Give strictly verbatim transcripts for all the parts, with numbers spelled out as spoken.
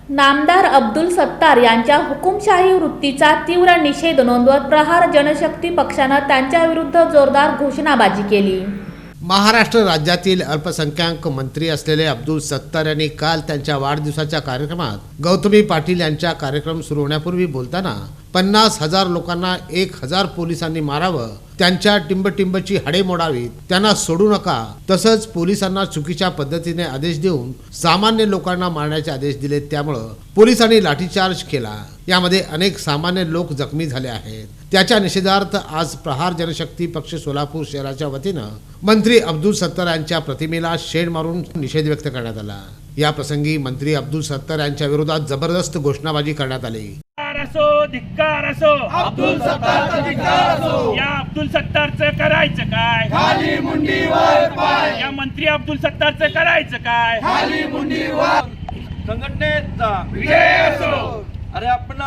नामदार अब्दुल सत्तार यांच्या हुकुमशाही वृत्तीचा तीव्र निषेध नोंदवत प्रहार जनशक्ती पक्षानं त्यांच्याविरुद्ध जोरदार घोषणाबाजी केली। महाराष्ट्र राज्यातील अल्पसंख्याक मंत्री असलेले अब्दुल सत्तार यांनी काल त्यांच्या वाढदिवसाच्या कार्यक्रमात गौतमी पाटील यांच्या कार्यक्रम सुरू होण्यापूर्वी बोलताना पन्नास हजार लोकांना एक हजार पोलिसांनी मारावं, त्यांच्या टिंबटिंबची हाडे मोडावीत, त्यांना सोडू नका, तसंच पोलिसांना चुकीच्या पद्धतीने आदेश देऊन सामान्य लोकांना मारण्याचे आदेश दिले, त्यामुळं पोलिसांनी लाठीचार्ज केला, यामध्ये अनेक सामान्य लोक जखमी झाले आहेत। त्याच्या निषेधार्थ आज प्रहार जनशक्ती पक्ष सोलापूर शहराच्या वतीनं मंत्री अब्दुल सत्तार यांच्या प्रतिमेला शेण मारून निषेध व्यक्त करण्यात आला। या प्रसंगी मंत्री अब्दुल सत्तार यांच्या विरोधात जबरदस्त घोषणाबाजी करण्यात आली। असो धिक्कार असो अब्दुल सत्तारचा धिक्कार असो, या अब्दुल सत्तारचं करायचं काय, खाली मुंडीवर पाय, या मंत्री अब्दुल सत्तारचं करायचं काय, खाली मुंडीवर। संघटनेचा विजय असो, अरे अपना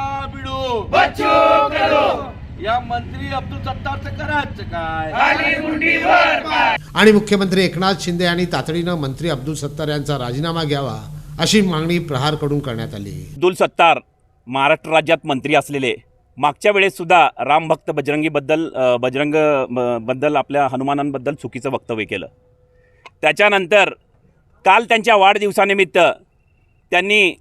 बिडू बच्चू करो, या मंत्री अब्दुल सत्तारचं करायचं काय, खाली मुंडीवर पाय। आणि मुख्यमंत्री एकनाथ शिंदे यांनी तातडीनं मंत्री अब्दुल सत्तार यांचा राजीनामा घ्यावा अशी मागणी प्रहारकडून करण्यात आली। अब्दुल सत्तार महाराष्ट्र राज्यात मंत्री असलेले, मागच्या वेळेस सुद्धा रामभक्त बजरंगीबद्दल बजरंग बद्दल आपल्या हनुमानांबद्दल चुकीचं वक्तव्य केलं। त्याच्यानंतर काल त्यांच्या वाढदिवसानिमित्त त्यांनी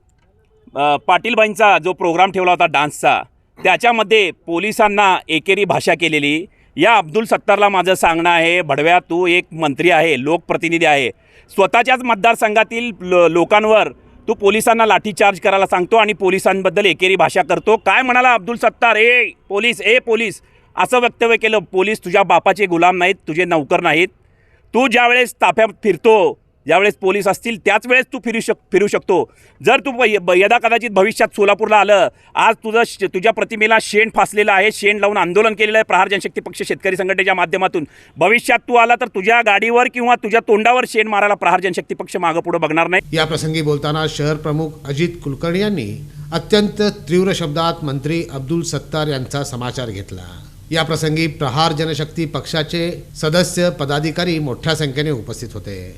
पाटीलबाईंचा जो प्रोग्राम ठेवला होता डान्सचा, त्याच्यामध्ये पोलिसांना एकेरी भाषा केलेली। या अब्दुल सत्तारला माझं सांगणं आहे, भडव्या तू एक मंत्री आहे, लोकप्रतिनिधी आहे, स्वतःच्याच मतदारसंघातील लो लोकांवर तू पोलिसांना लाठीचार्ज करायला सांगतो आणि पोलिसांबद्दल एकेरी भाषा करतो। काय म्हणाला अब्दुल सत्तार, ए पोलीस ए पोलीस असं वक्तव्य केलं। पोलीस तुझ्या बापाचे गुलाम नाहीत, तुझे नौकर नाहीत। तू ज्यावेळेस ताफ्यात फिरतो, ज्यावेळेस पोलीस असतील त्याच वेळेस तू फिरू शक फिरू शकतो। जर तू यदा कदाचित भविष्यात सोलापूरला आलं, आज तुझं तुझ्या प्रतिमेला शेण फासलेलं आहे, शेण लावून आंदोलन केलेलं आहे प्रहार जनशक्ती पक्ष शेतकरी संघटनेच्या माध्यमातून। भविष्यात तू आला तर तुझ्या गाडीवर किंवा तुझ्या तोंडावर शेण मारायला प्रहार जनशक्ती पक्ष मागं पुढे बघणार नाही। या प्रसंगी बोलताना शहर प्रमुख अजित कुलकर्णी यांनी अत्यंत तीव्र शब्दात मंत्री अब्दुल सत्तार यांचा समाचार घेतला। या प्रसंगी प्रहार जनशक्ती पक्षाचे सदस्य पदाधिकारी मोठ्या संख्येने उपस्थित होते।